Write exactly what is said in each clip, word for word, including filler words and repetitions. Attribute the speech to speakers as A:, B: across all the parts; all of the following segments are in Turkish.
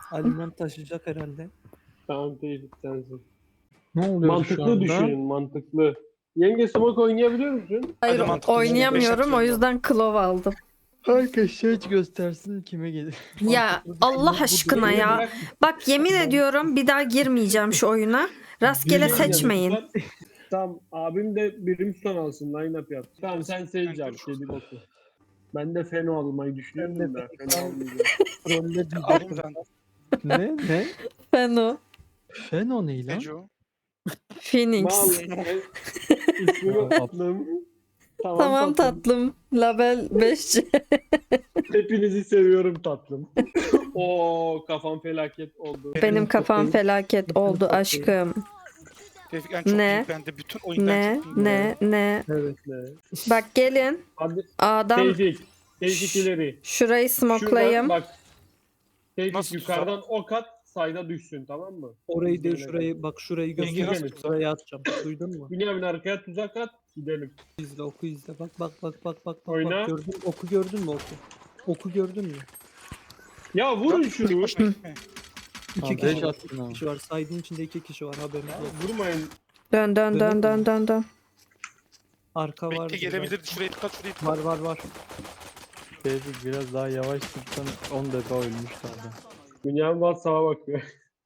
A: Aliman taşıyacak herhalde.
B: Tamam Tevfik sensin.
C: Ne oluyor şu
B: Mantıklı
C: anda?
B: düşünün, mantıklı. Yenge smoke oynayabiliyor musun?
D: Hayır
E: mantıklı
D: oynayamıyorum
E: düşünün,
D: o
E: beş
D: yüzden klov aldım.
C: Herkes şey göstersin kime gelir.
D: Ya
A: Mantıklı
D: Allah
A: düşünmek
D: aşkına
B: Yenge
D: ya.
B: bırak,
D: Bak yemin ediyorum bir daha girmeyeceğim şu oyuna. Rastgele
B: bir şey
D: seçmeyin.
B: diyeceğim, tutar. Tamam abim de Brimstone alsın, line up yap. Tamam sen Sage al, kedi boku. Ben de Feno almayı düşünüyordum da Feno almayacağım.
A: Trolle
E: Alayım
A: diyecektim.
E: ben.
C: Ne? Ne?
D: Feno.
C: Feno ne lan?
E: Neco.
D: Phoenix.
B: Mal, e, ismini
C: Aa,
B: unuttum. Tamam,
D: Tamam
B: tatlım.
D: tatlım. Label beş C.
B: Hepinizi seviyorum tatlım. Oo kafam felaket oldu.
D: Benim kafam
A: Çok
D: felaket oldu aşkım.
E: Tevfik en çok
D: Ne?
E: iyi bende. Bütün oyundan
D: Ne
E: çok iyi.
D: ne ne.
B: Evet ne?
D: Bak gelin.
B: Hadi
D: Adam
B: Tevfik. Tevfik ileri.
D: şurayı
B: Şuradan
D: smoklayayım.
B: bak. Tevfik
E: Nasıl
B: yukarıdan ok at, sayda düşsün tamam mı?
A: Orayı değil
B: Gidelim.
A: şurayı bak şurayı
B: Yenge
A: göster.
B: nasıl
E: tuzak?
A: Şuraya atacağım. Duydun mu?
B: Bünyamin arkaya tuzak at, gidelim.
A: İzle oku izle. Bak bak bak bak bak. bak.
B: Oyna.
A: Bak, gördün, oku gördün mü oku? Oku gördün mü?
B: Ya vurun
E: Tek
B: şunu.
E: başına gitme.
A: İki
C: Abi,
A: kişi
C: beş
A: var.
C: attın
A: İki
C: ha.
A: kişi var. Saydığın içinde iki kişi var haberin
B: Ya,
A: yok.
B: vurmayın.
D: Dön dön dön dön dön dön.
A: Arka var.
E: Bekle gelebilirdi. Şuraya dikkat şuraya dikkat.
A: Var var var.
C: Tevfik biraz daha yavaş tutsan on defa ölmüştü adam.
B: Bünyamin WhatsApp'a bakıyor.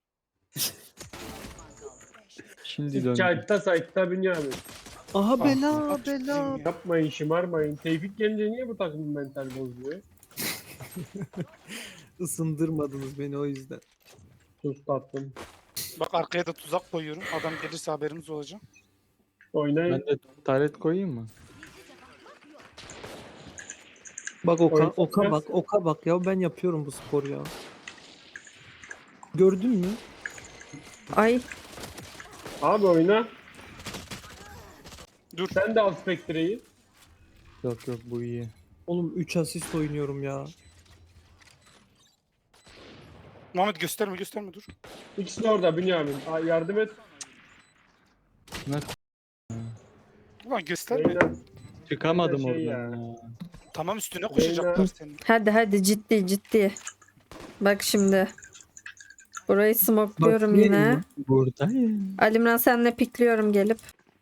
C: Şimdi döndü.
B: Çaytta saytta Bünyamin.
A: Aha
E: Ah,
A: bela
E: ah,
A: bela.
B: Yapmayın şımarmayın. Tevfik gelince niye bu takımın mental bozuyor?
A: Isındırmadınız beni o yüzden.
B: Sus tatlım.
E: Bak arkaya da tuzak koyuyorum. Adam gelirse haberimiz olacak.
B: Oynayın.
C: Ben de taret koyayım mı?
A: Bak oka,
B: Oyun
A: oka
B: sokmaz.
A: bak oka bak ya ben yapıyorum bu spor ya. Gördün mü?
D: Ay
B: Abi oyna.
E: Dur.
B: Sen de al Spectre'yi.
C: Yok yok bu iyi.
A: Oğlum üç asist oynuyorum ya.
E: Muhammed gösterme gösterme dur.
B: İkisi de orada Bünyamin. Aa, yardım et.
C: Ne?
E: Ulan gösterme.
B: Oyna.
C: Çıkamadım
B: Şey
C: oradan
B: ya.
C: ya.
E: Tamam üstüne koşacaklar senin.
D: hadi hadi ciddi ciddi. Bak şimdi. Burayı smokluyorum
A: Bakayım
D: yine.
A: mı?
C: Buradayım.
D: Alimran senle pikliyorum gelip.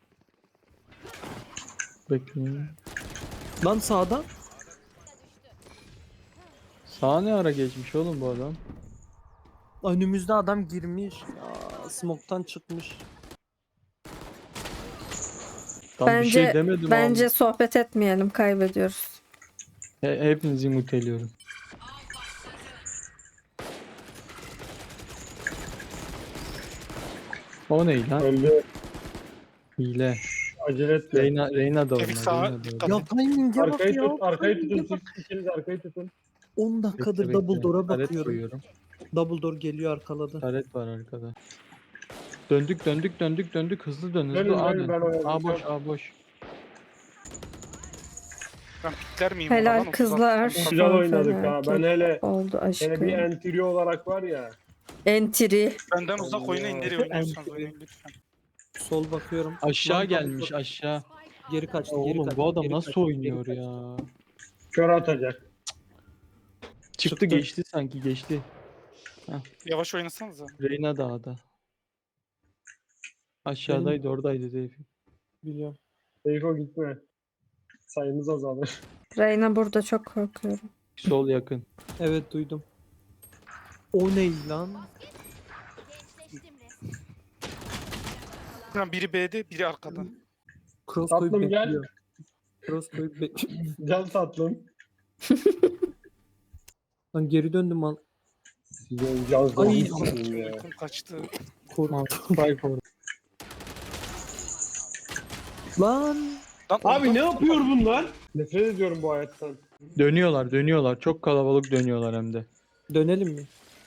C: Bekleyin.
A: Lan sağda.
C: Sağa ne ara geçmiş oğlum bu adam?
A: Önümüzde adam girmiş. Ya, smoke'tan çıkmış.
C: Tam bir
D: Bence
C: şey demedim
D: bence
C: abi.
D: sohbet etmeyelim kaybediyoruz.
C: He, hepinizi muteliyorum. O ne lan?
B: Öldü.
C: Hile.
B: Acele etme.
C: Reyna, Reyna da
E: Tevfik
C: oynar.
E: sağa
C: Reyna da
E: dikkat
C: oynar.
A: Ya timing'e bak
B: Arkayı
A: ya.
B: tut, arkayı
A: timing'e
B: tutun
A: bak.
B: siz. İkiniz arkayı tutun.
A: on
C: Bekle,
A: dakikadır
C: bekle.
A: double door'a
C: Taret
A: bakıyorum.
C: koyuyorum.
A: Double door geliyor arkaladı.
C: Taret var arkada. Döndük döndük döndük döndük hızlı dön hızlı.
B: Dönün,
C: A
B: dönün,
C: dön.
B: ben oyalayacağım.
C: A boş A boş.
E: Ben pikler miyim?
D: Helal
E: Ulan o
D: kızlar.
E: tuzak-
B: Güzel
D: Kafam
B: oynadık ha. Ben
D: felaket
B: hele
D: oldu
B: hele
D: aşkım.
B: bir entry olarak var ya.
D: Entry.
E: Benden uzak oynayın nereye oynuyorsanız oynayın lütfen.
A: Sol bakıyorum.
C: Aşağı
A: Lan,
C: gelmiş
A: double door.
C: aşağı.
A: Geri kaçtı, geri
C: Oğlum
A: kaçtı.
C: bu adam
A: geri
C: nasıl
A: kaçtı, geri
C: oynuyor
A: kaçtı.
C: ya?
B: Kör atacak.
C: Çıktı,
A: Çıktı.
C: geçti sanki geçti.
E: Yavaş oynasanıza.
C: Reyna dağda. Aşağıdaydı oradaydı Tevfik.
A: Biliyorum.
B: Seyfo gitme. Sayımız azalır.
D: Reyna burada çok korkuyorum.
C: Sol yakın.
A: Evet duydum. O ne lan?
E: Lan biri B'de biri arkada.
A: Cross
B: Tatlım,
A: koyup
B: gel.
A: bekliyor. Cross koyup bekliyor.
B: Can tatlım.
A: Lan geri döndüm lan.
B: Sizin can
A: Ay.
B: zannetsin ya.
E: Uykum kaçtı.
A: Korktum.
C: Spike orada.
A: Lan.
E: Lan
B: Abi
E: oradan-
B: ne yapıyor bunlar? Nefret ediyorum bu hayattan.
C: Dönüyorlar dönüyorlar. Çok kalabalık dönüyorlar hem de.
A: Dönelim mi?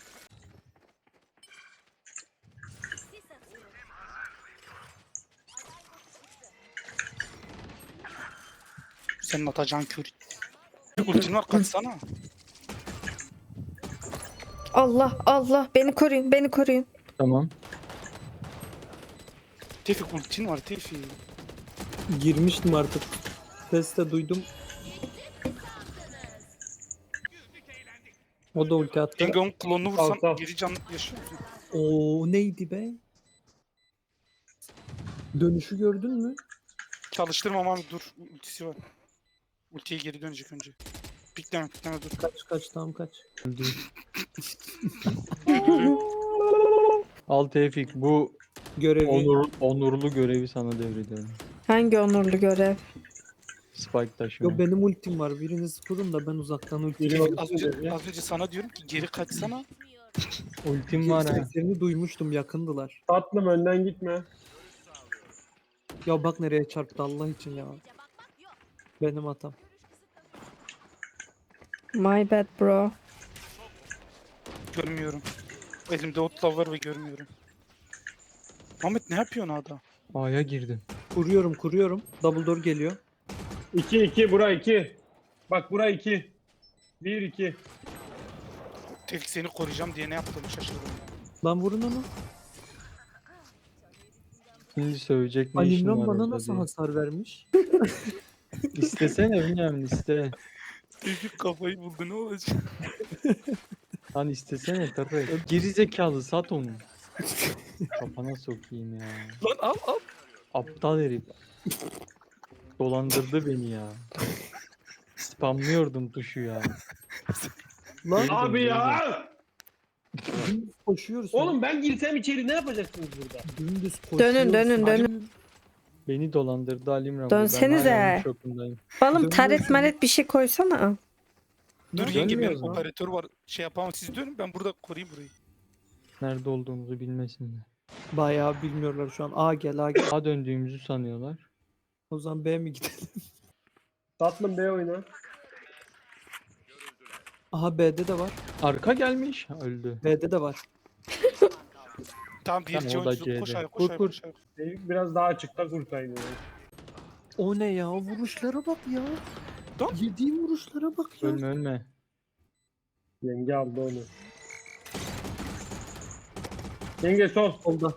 E: Senin atacağın kör. Ultin var kaçsana.
D: Allah Allah beni koruyun beni koruyun.
C: Tamam.
E: Tevfik ultin var Tevfik.
A: Girmiştim artık. Sesle duydum. O da ulti attı.
E: Yenge onun klonunu vursam
B: Al, al.
E: geri can yaşıyor musun?
A: Oo neydi be? Dönüşü gördün mü?
E: Çalıştırma ama dur. Ultisi var. Ultiye geri dönecek önce. Pikleme pikleme dur.
A: Kaç kaç tam kaç.
C: Öldü. Al Tevfik, bu
A: Görevi.
C: onur, onurlu görevi sana devrediyorum.
D: Hangi onurlu görev?
C: Spike taşıma.
A: Yo benim ultim var. Biriniz kurun da ben uzaktan ulti.
B: Biri
A: çekeyim.
E: Az önce, az önce sana diyorum ki geri kaçsana.
C: Ultim var ha.
A: Seslerini duymuştum, yakındılar.
B: Tatlım önden gitme.
A: Ya bak nereye çarptı Allah için ya. Benim hatam.
D: My bad bro.
E: Görmüyorum. Elimde otlav var ve görmüyorum. Ahmet ne yapıyorsun ada?
C: A'ya girdim.
A: Kuruyorum kuruyorum. Double door geliyor.
B: iki iki bura iki. Bak bura iki. bir iki.
E: Tevfik seni koruyacağım diye ne yaptığımı şaşırdım.
A: Lan vurun onu.
C: Şimdi sövecek ne işin
A: Alimran
C: var
A: bana
C: orada
A: nasıl
C: diye.
A: hasar vermiş?
C: İstesene bilmiyorum iste.
E: Tevfik kafayı buldu ne olacak?
C: Lan istesene tabii. Geri zekalı sat onu. Kafana sokayım ya.
E: Lan al al.
C: Aptal herif. Dolandırdı beni ya. Spamlıyordum tuşu ya.
A: Lan
C: Geri dön,
B: Abi
C: geri dön.
B: ya.
A: dümdüz koşuyoruz.
B: Oğlum ben girsem içeri ne yapacaksınız burada?
A: Dümdüz koşuyoruz.
D: Dönün dönün
A: Halim-
D: dönün.
C: Beni dolandırdı Alimran.
D: Dönsenize.
C: Ben hala onun şokundayım.
D: Oğlum
A: Dönüyorsun.
D: taret maret bir şey koysana.
E: Dur
A: Nerede
E: yenge benim
A: dönüyoruz lan?
E: operatör var. Şey yapamam siz dönün ben burada koruyayım burayı.
C: Nerede olduğumuzu bilmesinler.
A: Bayağı bilmiyorlar şu an. A gel A gel.
C: A döndüğümüzü sanıyorlar.
A: O zaman B mi gidelim?
B: Tatlım B oyna.
A: Aha B'de de var.
C: Arka gelmiş. Ha, öldü.
A: B'de de var.
E: Tamam bir
C: Tamam,
E: C
C: o da
E: oyuncusu
C: C'de.
E: koş ayağa
C: Kur,
E: koş ayağa
C: kur.
E: koş ayağa.
B: Tevfik biraz daha açıkta kurtaydı.
A: O ne ya? Vuruşlara bak ya.
E: Dur.
A: Yediğim vuruşlara bak ya.
C: Ölme ölme.
B: Yenge aldı onu. Yenge sol.
A: Solda.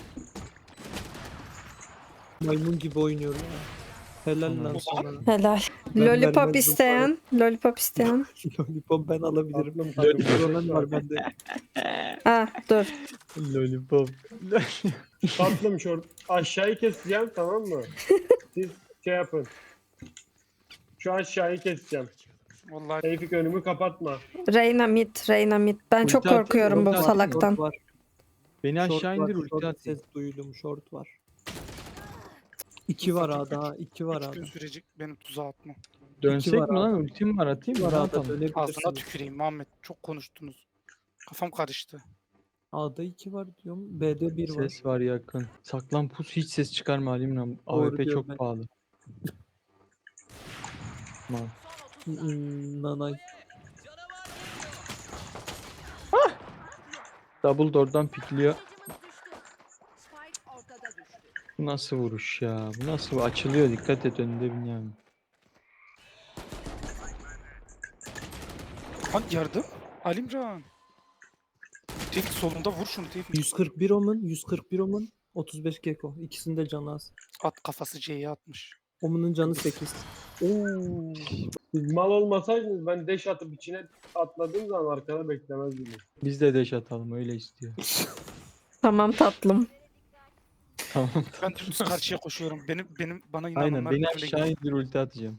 A: Maymun gibi oynuyor ya. Helal lan sana.
D: Helal.
A: Ben
D: Lollipop
A: vermezdim
D: isteyen. Lollipop isteyen.
A: Lollipop ben alabilirim.
B: Tatlım takım.
A: Kronen var bende.
D: Ah dur.
C: Lollipop.
B: Tatlım şort. Aşağıyı keseceğim tamam mı? Siz şey yapın. Şu aşağıyı keseceğim.
E: Vallahi
B: Tevfik önümü kapatma.
D: Reyna mid, Reyna mid. Ben çok
C: Ulti atayım,
D: korkuyorum bu
C: ulti atayım.
D: salaktan.
A: Short var.
C: Beni
A: Short
C: aşağı
A: var,
C: indir ulti
A: short
C: at.
A: ses duydum. Short var. İki var ha daha. iki var
E: üç
A: ha.
E: gün sürecek benim tuzağa atma.
C: Dönsek
A: var
C: mi lan?
A: abi.
C: Ultim var atayım mı?
A: Var
C: Ne
A: A'da
C: yapalım?
E: Ağzına
A: dönebilirsiniz.
E: tüküreyim Muhammed. Çok konuştunuz. Kafam karıştı.
A: A'da iki var diyorum. B'de bir var.
C: Ses var yakın. Saklan pus hiç ses çıkarma Alimran.
A: Doğru
C: A W P
A: diyor
C: çok
A: ben.
C: pahalı. Tamam.
A: Hmm, nanay.
C: Double door'dan pikliyor. Bu nasıl vuruş ya? Bu nasıl açılıyor? Dikkat et önünde Bünyamin.
E: Lan yardım. Alimcan. Tevfik solunda vur şunu Tevfik.
A: yüz kırk bir Omen, yüz kırk bir Omen, otuz beş Gecko. İkisinin de canı az.
E: At kafası C'ye atmış.
A: Omen'ın canı sekiz.
B: Oo. Siz mal olmasaydınız ben deş atıp içine atladığım zaman arkada beklemezdim.
C: Biz de deş atalım öyle istiyor.
D: Tamam tatlım.
C: Tamam.
E: Ben dümdüz karşıya koşuyorum. Benim benim bana
C: Aynen
E: inananlar
C: beni
E: benimle
C: aşağı indir ulti atacağım.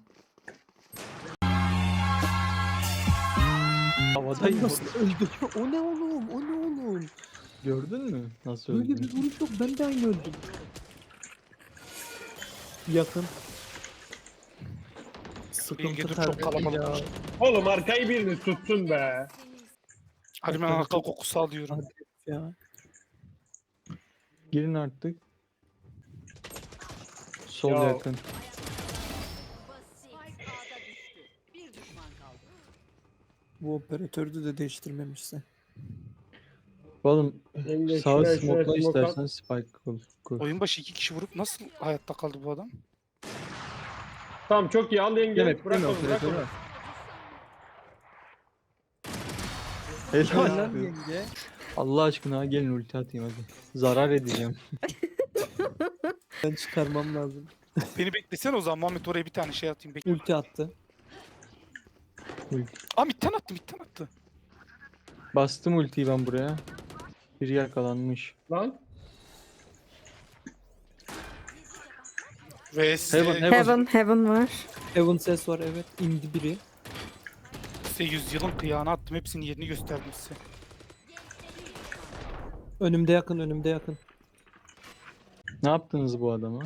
C: Havadayım.
A: Sen nasıl öldün? O ne oğlum? O ne oğlum?
C: Gördün mü? Nasıl
A: Böyle
C: öldüm?
A: bir vuruş yok. Ben de aynı öldüm. Yakın.
E: Yenge
A: Sıkıntı
E: dur, çok
A: kardeşim ya.
E: kalabalık.
B: Oğlum arkayı biriniz tutsun be.
E: Alimcan arka kokusu alıyorum.
A: Hadi ya.
C: Girin artık. Sol
B: Ya.
C: yakın.
A: Bu operatörü de değiştirmemişse.
C: Oğlum
B: Yenge
C: sağa
B: şuraya şuraya
C: smoke'la
B: smoke at.
C: istersen spike kur. kur.
E: Oyun başı iki kişi vurup nasıl hayatta kaldı bu adam?
B: Tamam çok iyi al yenge.
C: Demek
B: bırak
C: değil mi
B: onu bırak
C: operatörü
B: onu.
C: var. Helal.
A: Helal
C: olsun.
A: yenge.
C: Allah aşkına gelin ulti atayım hadi. Zarar edeceğim.
A: Ben çıkarmam lazım.
E: Beni beklesene o zaman Muhammed oraya bir tane şey atayım. Bekle.
A: Ulti attı.
E: Aa midden attı midden attı.
C: Bastım ultiyi ben buraya. Biri yakalanmış.
B: Lan.
E: Vs
C: Heaven, heaven.
D: Heaven, heaven var.
A: Heaven ses var evet. İndi biri.
E: size yüzyılın kıyağını attım. Hepsinin yerini gösterdim size.
A: Önümde yakın önümde yakın.
C: Ne yaptınız bu adama?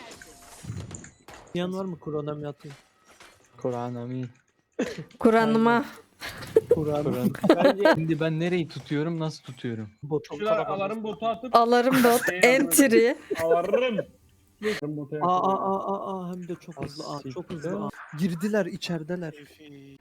A: Yan var mı? Kur'an'a atayım?
C: Koranami.
D: Kur'an'ıma.
A: Kur'an.
C: Koran.
B: Bence
C: Şimdi ben nereyi tutuyorum, nasıl tutuyorum?
A: Bot.
E: Çok
B: şuraya
E: kalabalık.
B: alarm botu atıp
D: Alarım bot. Entry.
B: alarm. Alarm botu
A: Aa
B: yapalım.
A: aa aa aa hem de çok hızlı. Aa çok hızlı. Aa. Girdiler içerideler.
E: Keyfi.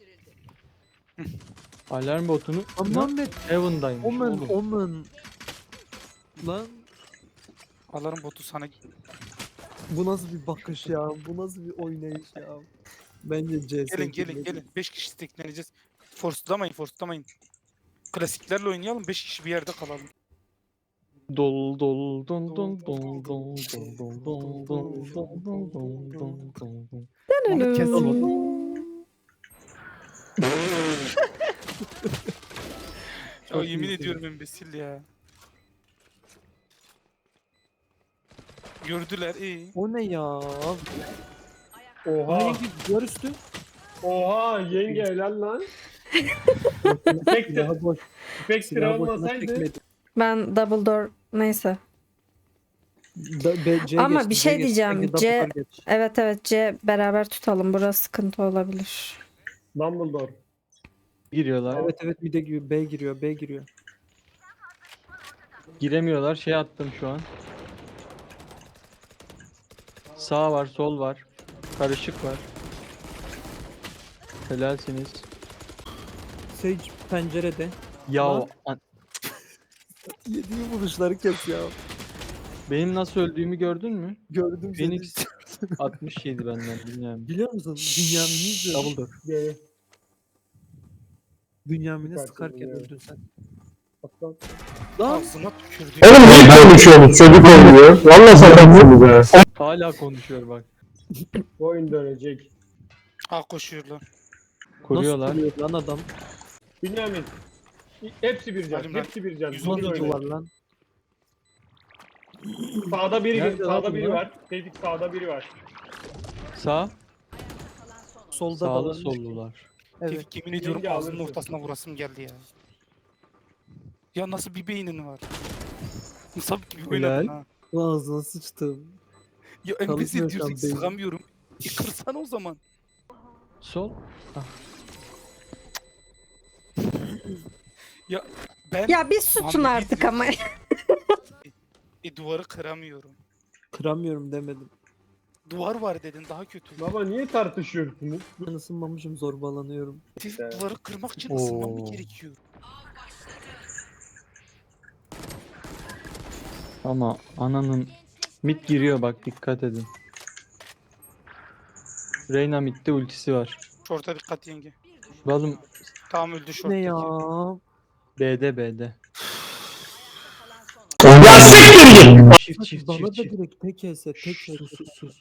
C: Alarm botunu
A: Lan
C: Lan
A: Muhammed.
C: Heaven'daymış
A: Omen
C: oğlum.
A: omen. Lan
E: Alarm botu sana
A: bu nasıl bir bakış ya? Bu nasıl bir oynayış ya? Bence C S.
E: gelin gelin gelin. beş kişi tekleneceğiz. Force'lamayın force'lamayın. Klasiklerle oynayalım. beş kişi bir yerde kalalım.
C: Dol dol dol dol dol dol dol dol dol dol dol dol dol dol dol.
E: Onu kes oğlum. Ya yemin ediyorum embesil ya. Gördüler iyi.
A: O ne ya?
B: Oha.
A: Hangi duvar üstü?
B: Oha yenge helal lan. Tek de
A: Silahı boş.
B: pek
A: Silahı boşuna
B: olmasaydı.
A: çekmedi.
D: Ben double door neyse.
A: Da- B- C
D: Ama
A: geçti,
D: bir
A: C
D: şey
A: geçti.
D: diyeceğim,
A: Sanki
D: C-
A: double geç.
D: Evet evet C beraber tutalım. Burası sıkıntı olabilir.
B: Dumbledore.
C: Giriyorlar.
A: Evet evet bir de giriyor. B giriyor. B giriyor.
C: Giremiyorlar. Şey attım şu an. Sağ var, sol var. Karışık var. Helalsiniz.
A: Sage pencerede.
C: Ya
A: Lan.
C: an-
A: Yediği vuruşları kes ya.
C: benim nasıl öldüğümü gördün mü?
A: Gördüm seni.
C: Phoenix altmış yedi benden bilmiyorum.
A: Biliyor musun? Dünyamin'i izliyorum.
C: Double door.
B: G.
A: Dünyamin'i
B: Süpersin
A: sıkarken
B: ya.
A: öldün sen.
B: Atlan.
A: Lan
E: Ağzına tükürdü.
F: Oğlum ne konuşuyorsunuz? Çocuk oluyor. Valla satarsınız ha.
C: Hala konuşuyor bak.
B: Bu oyun dönecek.
E: Ha koşuyorlar.
C: Koruyorlar.
A: nasıl vuruyor lan adam?
B: Bünyamin. Hepsi bir can.
E: Halim lan.
B: Hepsi bir can.
E: Yüz
B: Dur
E: otuz
A: Nasıl
B: öyle.
A: duvar lan?
B: Sağda biri,
C: Nerede lan
B: sağda biri
C: bunlar?
B: var. Tevfik sağda biri var.
C: Sağ,
A: Solda
C: sağlı
A: dalanmış.
C: sollular.
A: Evet.
E: Tevfik yemin ediyorum
B: Yenge
E: ağzının
B: alırsın.
E: ortasına vurasım geldi ya. Ya nasıl bir beynin var? Sap gibi oynadın
C: Helal.
E: ha.
A: Ağzına sıçtım.
E: Ya
A: Çalışmıyor
E: embesil
A: şu an
E: diyorsun
A: beynin.
E: sıkamıyorum. E kırsana o zaman.
C: Sol.
E: Ben
D: Ya bir susun
E: Muhammed
D: artık ama.
E: e, duvarı kıramıyorum.
A: Kıramıyorum demedim.
E: Duvar var dedin daha kötü.
B: Baba niye tartışıyorsunuz?
A: Ben ısınmamışım zorbalanıyorum.
E: Tevfik
B: Evet.
E: duvarı kırmak için ısınmam mı
C: Oo.
E: gerekiyor?
C: Ama ananın mid giriyor bak dikkat edin. Reyna midde ultisi var.
E: Şorta dikkat yenge.
C: Oğlum
E: Tamam öldü
A: Ne
E: şorttaki.
A: ya?
C: B'de B'de.
F: Ya siktir git.
C: Çift çift
A: Bana
C: çift
A: da
C: çift.
A: direkt tek else tek else.
C: Sus sus sus.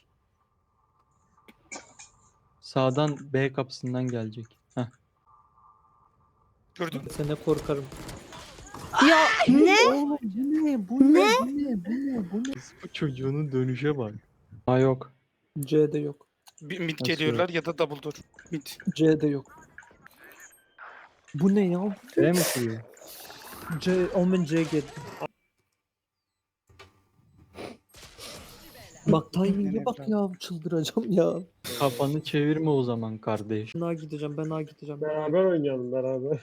C: Sağdan B kapısından gelecek. Heh.
E: Gördün mü?
A: Sene korkarım.
D: Ya ne?
A: Oğlum bu ne? Bu ne? Bu ne? Bu ne? Bu ne?
C: Bu çocuğunun dönüşe bak. Ha yok.
A: C'de yok.
E: Bir mid
C: Nasıl
E: geliyorlar ya da double door. Mid.
A: C'de yok. Bu ne ya?
C: B mi kuruyor?
A: C, Omen C geldi. Bak timing'e bak ya çıldıracağım ya.
C: Kafanı çevirme o zaman kardeş.
A: Ben A gideceğim ben A gideceğim.
B: Beraber oynayalım beraber.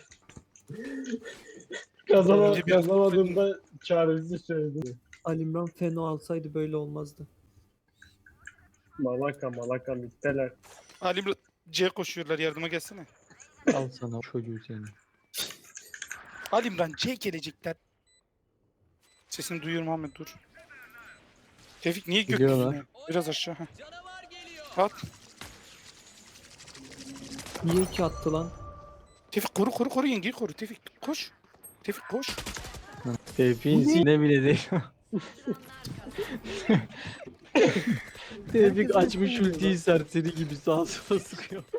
B: Kazana,
E: Önce bir-
B: kazanamadığımda çaresiz söyledim.
A: Alimran Feno alsaydı böyle olmazdı.
B: Malaka malaka mitteler.
E: Halim C koşuyorlar yardıma gelsene.
C: Al sana çocuğu seni.
E: Halim'den C gelecekler. Sesini duyuyorum Ahmet dur. Tevfik niye
C: Geliyorlar.
E: gökyüzüne? Biraz aşağı. heh. At.
A: Niye ki attı lan?
E: Tevfik koru koru koru yengeyi koru. Tevfik koş. Tevfik koş.
C: Tevfik'in ne bile değil. Tevfik açmış ultiyi serseri gibi sağa sola sıkıyor.